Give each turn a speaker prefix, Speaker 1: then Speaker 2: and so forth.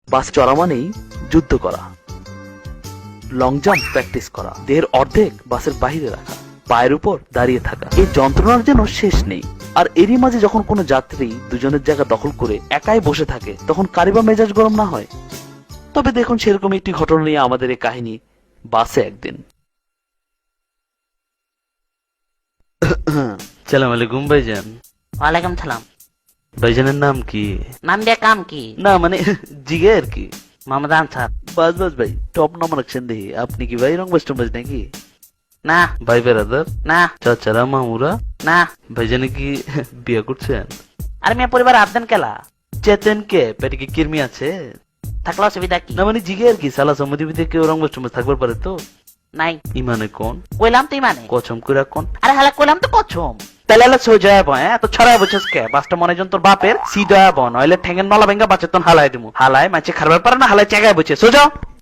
Speaker 1: বাস চড়া মানেই যুদ্ধ করা, লং জাম্প প্র্যাকটিস করা, দেহের অর্ধেক বাসের বাইরে রাখা, পায়ের উপর দাঁড়িয়ে থাকা, এই যন্ত্রণার যেন শেষ নেই। আর এরই মাঝে যখন কোনো যাত্রী দুজনের জায়গা দখল করে একাই বসে থাকে, তখন কারিবা মেজাজ গরম না হয়? তবে দেখুন, সেরকম একটি ঘটনা নিয়ে আমাদের এই কাহিনী। বাসে একদিন।
Speaker 2: সালাম আলাইকুম ভাইজান।
Speaker 3: ওয়ালাইকুম সালাম।
Speaker 2: ভাইজানের নাম কি?
Speaker 3: নাম দিয়ে কাম কি?
Speaker 2: না মানে জিগে আর কি।
Speaker 3: মোহাম্মদ আনসার।
Speaker 2: বাস বাস ভাই, টপ নাম্বার রাখছেন দেখি। আপনি কি ভাই রংবাজ টংবাজ নাকি?
Speaker 3: না
Speaker 2: ভাই বেড়াদার?
Speaker 3: না
Speaker 2: চাচারা মামুরা?
Speaker 3: না।
Speaker 2: ভাইজানে কি বিয়ে করছেন?
Speaker 3: আর মিয়া পরিবার আবদান কেলা
Speaker 2: চেতেন কে? পেটে কি কিরমি আছে?
Speaker 3: থাকলে অসুবিধা কি?
Speaker 2: না মানে জিগে আর কি। সালা সম্মতি বিদে কেউ রংবাজ টংবাজ থাকবার পারে তো?
Speaker 3: নাই।
Speaker 2: ইমানে কোন?
Speaker 3: কইলাম তুই মানে?
Speaker 2: কচম করে কোন?
Speaker 3: আরে হালা কইলাম তো কছম।
Speaker 2: তাহলে হলে সোজা বয়, এত ছড়ায় বলছিস কে? বাসটা মনে জন তোর বাপের সিধা বন, নইলে ঠেঙ্গের নলা ভেঙ্গা বাচ্চা তোর হালাই দিমু। হালায় মাছে খারবার পারে না, হালায় চেগায় বলছে সোজা।